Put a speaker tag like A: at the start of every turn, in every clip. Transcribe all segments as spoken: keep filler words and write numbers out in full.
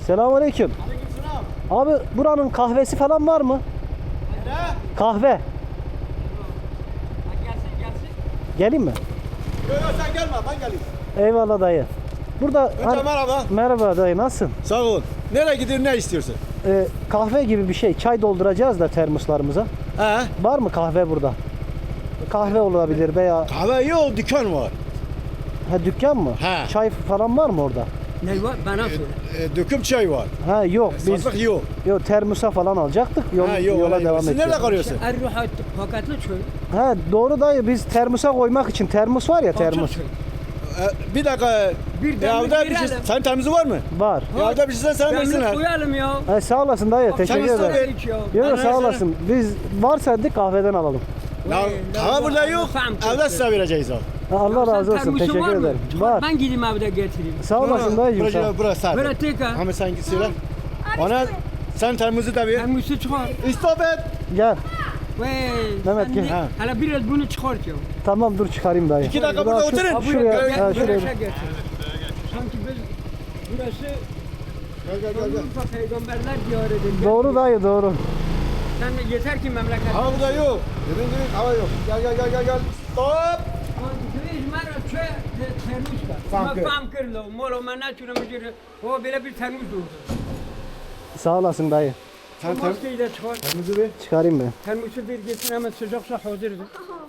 A: Selamünaleyküm. Abi buranın kahvesi falan var mı?
B: Ne?
A: Kahve.
B: Gelsin gelsin.
A: Geleyim mi?
B: Yok yok sen gelme ben geleyim.
A: Eyvallah dayı. Burada
B: Önce
A: hani-
B: merhaba.
A: Merhaba dayı, nasılsın?
B: Sağ ol. Nereye gidiyor ne istiyorsun?
A: Ee, kahve gibi bir şey. Çay dolduracağız da termoslarımıza.
B: He?
A: Var mı kahve burada? Kahve olabilir veya
B: Kahve yok dükkan var.
A: ha, dükkan mı?
B: He.
A: Çay falan var mı orada?
C: Ne var? Bana söyle.
B: E, döküm çay var.
A: Ha yok biz
B: Satlık yok.
A: yok termosa falan alacaktık. Yol,
B: Ha yok.
A: yola
B: öyle
A: devam
B: yok. Siz nerede
A: edeceğiz.
B: kalıyorsun?
C: Erruhat paketli çöl.
A: Ha doğru dayı, biz termosa koymak için termos var ya, termos
C: Çöl.
B: E, bir dakika.
C: Bir
B: Ya
C: demlik
B: evde bir şey,
C: verelim.
B: senin temizi var mı?
A: var.
B: Ya evde bir şey sen
C: Demlik
B: versinler.
C: koyalım ya.
A: Ha, sağ olasın dayı, teşekkür
B: Sen iste
A: ederim.
B: ver.
C: İç ya.
A: Yok yok,
B: Bana
A: sağ
B: versene.
A: olasın. Biz varsa dedik kahveden alalım.
B: Ya
C: Vay,
B: kahve burada
C: Allah,
B: yok.
C: faham
B: Evde
C: kötü.
B: size vereceğiz o.
A: Ha, Allah
C: Sen
A: razı olsun,
C: termosun
A: teşekkür
C: var mı?
A: ederim.
C: Çıkar,
A: Var.
C: Ben gideyim evde getireyim.
A: Sağ olasın dayıcım. Sağ.
B: Burası burası
C: Böyle
B: abi.
C: tek ha.
B: Ama sen git söyle. Ona sen termosu da ver.
C: Termosu çıkar.
B: İstop et.
A: Gel.
C: Vay.
A: Mehmet,
C: sen
A: gel.
C: ne-
B: Ha.
C: Hala biraz bunu çıkart ya.
A: Tamam dur çıkarayım dayı.
B: İki dakika
A: Daha
B: burada
A: şu-
B: oturun.
C: Ha,
A: Şuraya,
C: gel,
A: ha,
C: güneşe
A: şuraya.
C: getir. Sanki biz burası
B: Gel gel gel. gel.
C: Avrupa peygamberler diyarıdır. Gel.
A: Doğru dayı, doğru.
C: Sen de yeter ki memleket.
B: Hava burada yok. Dedin dedin hava yok. Gel gel gel gel gel. Stop.
C: Düz مرا چه ترموز کرد
B: فهم
C: من
B: کرد.
C: فهم کردم مولا من نتونم بگیره o böyle bir termos durdu.
A: Sağ olasın dayı.
B: Sen
C: O
B: ter
C: maskeyi de çıkar.
B: termosu ver.
A: Çıkarayım ben.
C: Termosu bir getir hemen sıcaksa hazırdır.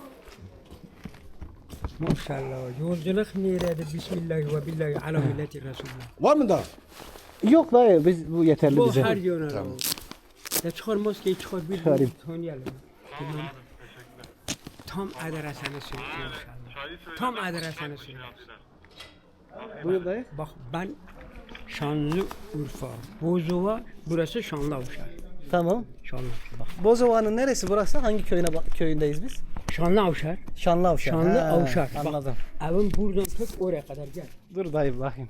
C: Maşallah yolculuk nerededir? Bismillah ve billahi ala milleti Resulullah.
B: Var mı da?
A: Yok dayı, biz bu yeterli
C: Bu
A: bize.
C: her yöne. Ya çıkar maskeyi çıkar bir
A: Çıkarayım.
C: tanıyalım. Tamam. Tam adresini söyle inşallah. Tam adresini söyle.
A: Buyur dayı.
C: Bak ben Şanlıurfa, Bozova, burası Şanlıavşar.
A: Tamam.
C: Şanlıurfa. Bak.
A: Bozova'nın neresi burası? Hangi köyüne köyündeyiz biz?
C: Şanlıavşar.
A: Şanlıavşar.
C: Şanlıavşar.
A: Ha, anladım.
C: Bak, evim buradan tut oraya kadar gel.
A: Dur dayı bakayım.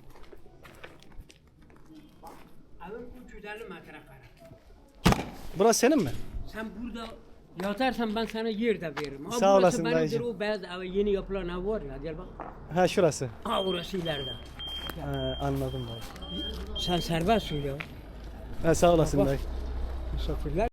C: Evim üç yüz elli metrekare.
A: Burası senin mi?
C: Sen burada yatarsan ben sana yer de veririm. Ha,
A: Sağ
C: burası
A: olasın
C: benimdir,
A: dayıcım.
C: o beyaz ev yeni yapılan ev var ya gel bak.
A: Ha şurası.
C: Ha orası ileride.
A: Ha, anladım dayı.
C: Sen serbest söyle.
A: Ha, sağ olasın
C: Bak.
A: dayı.
C: Misafirler